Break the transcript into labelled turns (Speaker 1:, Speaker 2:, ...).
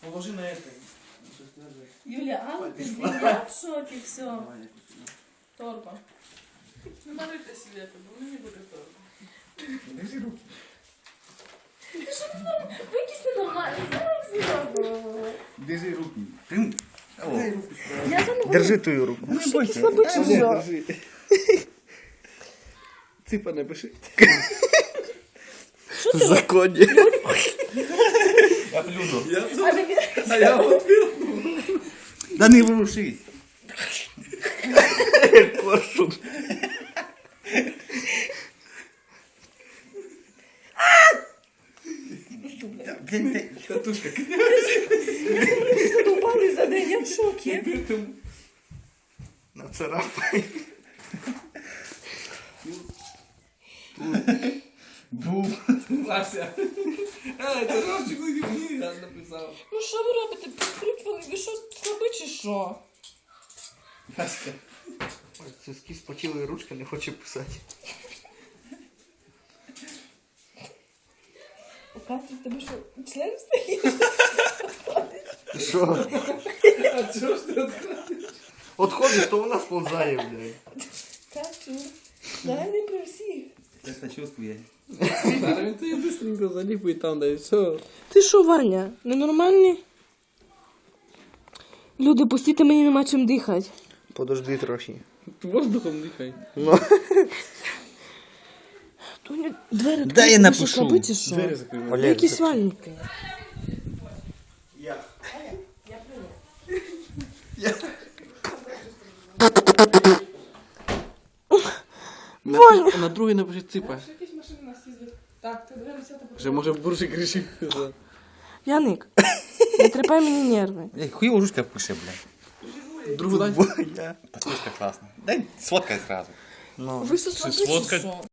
Speaker 1: Положи на это.
Speaker 2: Юля, а ты я в шоке, все.
Speaker 1: Давай, я посюда.
Speaker 2: Торба. Ну, налейте себе это, бо мені буде торба.
Speaker 1: Держи руки.
Speaker 2: Ти що ти викисни нормально, я серйозно.
Speaker 1: Держи руки. Ты... Дай руку сюда.
Speaker 2: Я за ногу.
Speaker 3: Держи твою руку.
Speaker 1: Ну, не бойся.
Speaker 2: слабый чужой.
Speaker 1: Держи. Цыпа напиши.
Speaker 3: Законні.
Speaker 1: Я плюну.
Speaker 2: А
Speaker 1: Я вот плюну. Да не ворушись.
Speaker 3: Коршун.
Speaker 1: Татушка.
Speaker 2: ви задовбали за день, я в шокі.
Speaker 3: Нацарапай.
Speaker 1: Бум. Вася. Это Ромчик не написал.
Speaker 2: Ну що ви робите? Підкручували, ви що, слаби чи що?
Speaker 1: Васька.
Speaker 3: Соски спотіли, ручка не хоче писати.
Speaker 2: Катя, в тебе що, член стоїть?
Speaker 3: Що?
Speaker 1: А чё ж ты отходишь?
Speaker 3: Отходиш, то вона сповзає, блядь.
Speaker 2: Катю, давай не про всіх.
Speaker 1: Это чувствую.
Speaker 4: Зараз ти быстренько заліпуй там, да і все.
Speaker 2: Ти що, Ваня, ненормальний? Люди, пустіть, мені нема чим дихати.
Speaker 3: Подожди трохи.
Speaker 4: Воздухом дихай.
Speaker 3: Ну.
Speaker 2: Тоня, двері
Speaker 3: Дай я
Speaker 2: відкрити, ви
Speaker 3: напишу.
Speaker 2: що, слабий чи що?
Speaker 4: Двері закривай.
Speaker 2: Ви якісь вальники.
Speaker 4: На другий напиши ципа.
Speaker 2: Якісь машини нас їздять. Так, ти дивимося, ти
Speaker 4: Вже може буржик рішив.
Speaker 2: Яник, не трепай мені нерви.
Speaker 1: Хуево ручка пиши, бля.
Speaker 4: Другу дай.
Speaker 1: Татушка классная. Дай сфоткай сразу.
Speaker 3: Ну.
Speaker 2: Ви що, слабі чи
Speaker 1: сфоткать?
Speaker 2: що?